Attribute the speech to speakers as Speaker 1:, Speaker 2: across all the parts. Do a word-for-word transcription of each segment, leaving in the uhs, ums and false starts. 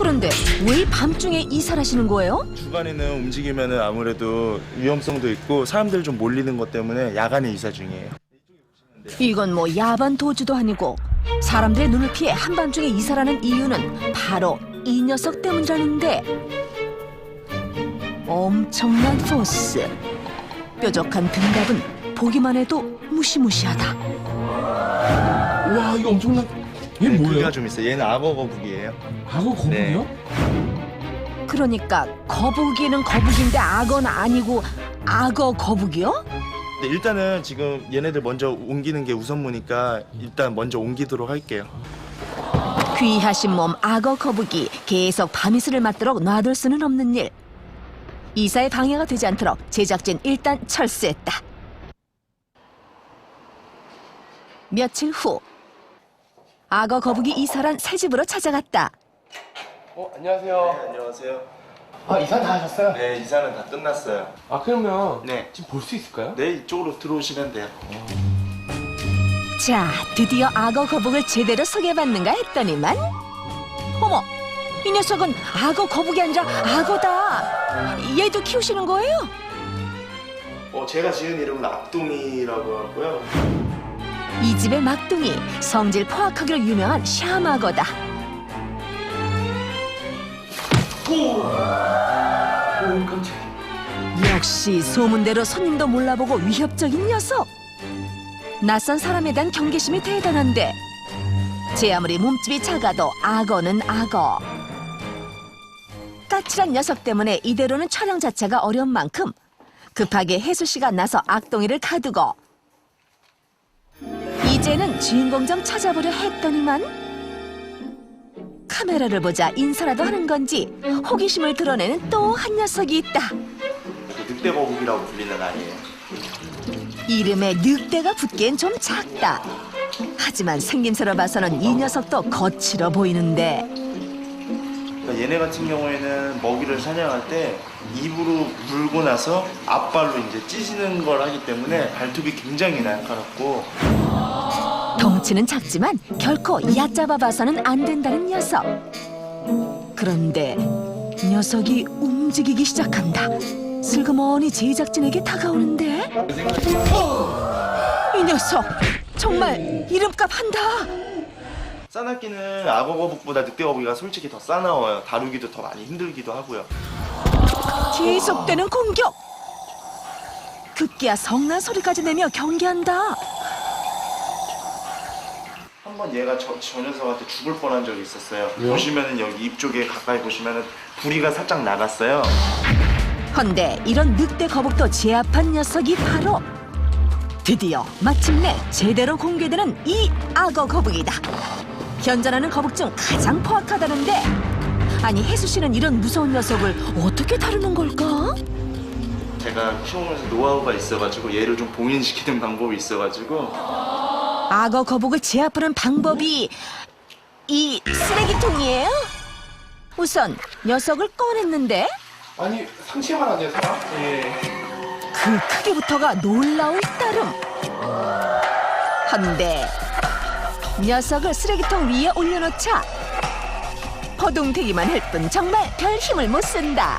Speaker 1: 그런데 왜 밤중에 이사하시는 거예요?
Speaker 2: 주간에는 움직이면은 아무래도 위험성도 있고 사람들 좀 몰리는 것 때문에 야간에 이사 중이에요.
Speaker 1: 이건 뭐 야반 도주도 아니고 사람들의 눈을 피해 한밤중에 이사라는 이유는 바로 이 녀석 때문이라는데 엄청난 포스, 뾰족한 등갑은 보기만 해도 무시무시하다.
Speaker 3: 와, 이거 엄청난. 얘
Speaker 2: 네,
Speaker 3: 뭐예요?
Speaker 2: 크기가 좀 있어요. 얘는 악어 거북이에요.
Speaker 3: 악어 거북이요?
Speaker 1: 그러니까 거북이는 거북인데 악어는 아니고 악어 거북이요?
Speaker 2: 네, 일단은 지금 얘네들 먼저 옮기는 게 우선무니까 일단 먼저 옮기도록 할게요.
Speaker 1: 귀하신 몸 악어 거북이 계속 밤이슬을 맞도록 놔둘 수는 없는 일. 이사에 방해가 되지 않도록 제작진 일단 철수했다. 며칠 후 악어 거북이 이사란 새 집으로 찾아갔다.
Speaker 3: 어, 안녕하세요.
Speaker 2: 네, 안녕하세요.
Speaker 3: 아, 이사 다 하셨어요?
Speaker 2: 네, 이사는 다 끝났어요.
Speaker 3: 아, 그러면
Speaker 2: 네.
Speaker 3: 지금 볼 수 있을까요?
Speaker 2: 네, 이쪽으로 들어오시면 돼요.
Speaker 1: 자, 드디어 악어 거북을 제대로 소개받는가 했더니만 어머, 이 녀석은 악어 거북이 아니라 악어다. 얘도 키우시는 거예요?
Speaker 2: 어, 제가 지은 이름은 악동이라고 하고요.
Speaker 1: 이 집의 막둥이, 성질 포악하기로 유명한 샤마거다.
Speaker 3: 오, 깜짝이야.
Speaker 1: 역시 소문대로 손님도 몰라보고 위협적인 녀석. 낯선 사람에 대한 경계심이 대단한데 제 아무리 몸집이 작아도 악어는 악어. 까칠한 녀석 때문에 이대로는 촬영 자체가 어려운 만큼 급하게 혜수 씨가 나서 악동이를 가두고 이제는 주인공 좀 찾아보려 했더니만 카메라를 보자 인사라도 하는 건지 호기심을 드러내는 또 한 녀석이 있다.
Speaker 2: 늑대 거북이라고 불리는 아이예요.
Speaker 1: 이름에 늑대가 붙기엔 좀 작다. 하지만 생김새로 봐서는 이 녀석도 거칠어 보이는데
Speaker 2: 그러니까 얘네 같은 경우에는 먹이를 사냥할 때 입으로 물고 나서 앞발로 이제 찢는 걸 하기 때문에 발톱이 굉장히 날카롭고
Speaker 1: 덩치는 작지만 결코 얕잡아 봐서는 안 된다는 녀석. 그런데 녀석이 움직이기 시작한다. 슬그머니 제작진에게 다가오는데 이 녀석 정말 이름값 한다.
Speaker 2: 싸납기는 악어 거북보다 늑대 거북이가 솔직히 더 싸나워요. 다루기도 더 많이 힘들기도 하고요.
Speaker 1: 계속되는 공격. 급기야 성난 소리까지 내며 경계한다.
Speaker 2: 한번 얘가 저, 저 녀석한테 죽을 뻔한 적이 있었어요.
Speaker 3: 왜요?
Speaker 2: 보시면은 여기 입 쪽에 가까이 보시면은 부리가 살짝 나갔어요.
Speaker 1: 헌데 이런 늑대 거북도 제압한 녀석이 바로 드디어 마침내 제대로 공개되는 이 악어 거북이다. 현존하는 거북 중 가장 포악하다는데 아니 혜수 씨는 이런 무서운 녀석을 어떻게 다루는 걸까?
Speaker 2: 제가 키우면서 노하우가 있어가지고 얘를 좀 봉인시키는 방법이 있어가지고
Speaker 1: 악어 거북을 제압하는 방법이 이 쓰레기통이에요? 우선 녀석을 꺼냈는데
Speaker 3: 아니, 상체만 하네요, 사람? 예.
Speaker 1: 그 크기부터가 놀라울 따름. 헌데 녀석을 쓰레기통 위에 올려놓자 허둥대기만 할 뿐 정말 별 힘을 못 쓴다.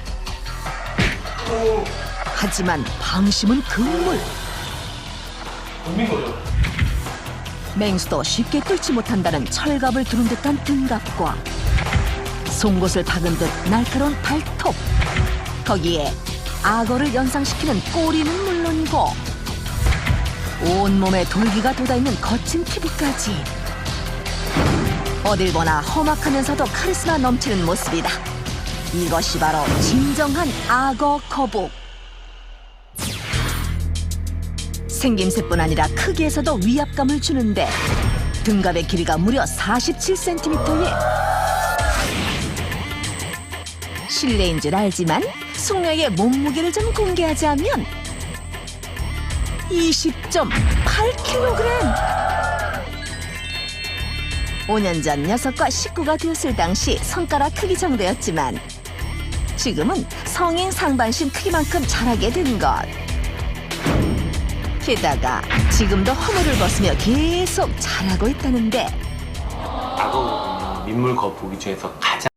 Speaker 1: 하지만 방심은 금물.
Speaker 3: 덤빈 거죠?
Speaker 1: 맹수도 쉽게 뚫지 못한다는 철갑을 두른 듯한 등갑과 송곳을 박은 듯 날카로운 발톱, 거기에 악어를 연상시키는 꼬리는 물론이고 온몸에 돌기가 돋아있는 거친 피부까지 어딜 보나 험악하면서도 카리스마 넘치는 모습이다. 이것이 바로 진정한 악어 거북. 생김새뿐 아니라 크기에서도 위압감을 주는데 등갑의 길이가 무려 사십칠 센티미터에 실내인 줄 알지만 숙녀의 몸무게를 좀 공개하자면 이십 점 팔 킬로그램. 오 년 전 녀석과 식구가 되었을 당시 손가락 크기 정도였지만 지금은 성인 상반신 크기만큼 자라게 된 것. 게다가 지금도 허물을 벗으며 계속 자라고 있다는데
Speaker 4: 악어 민물 거북이 중에서 가장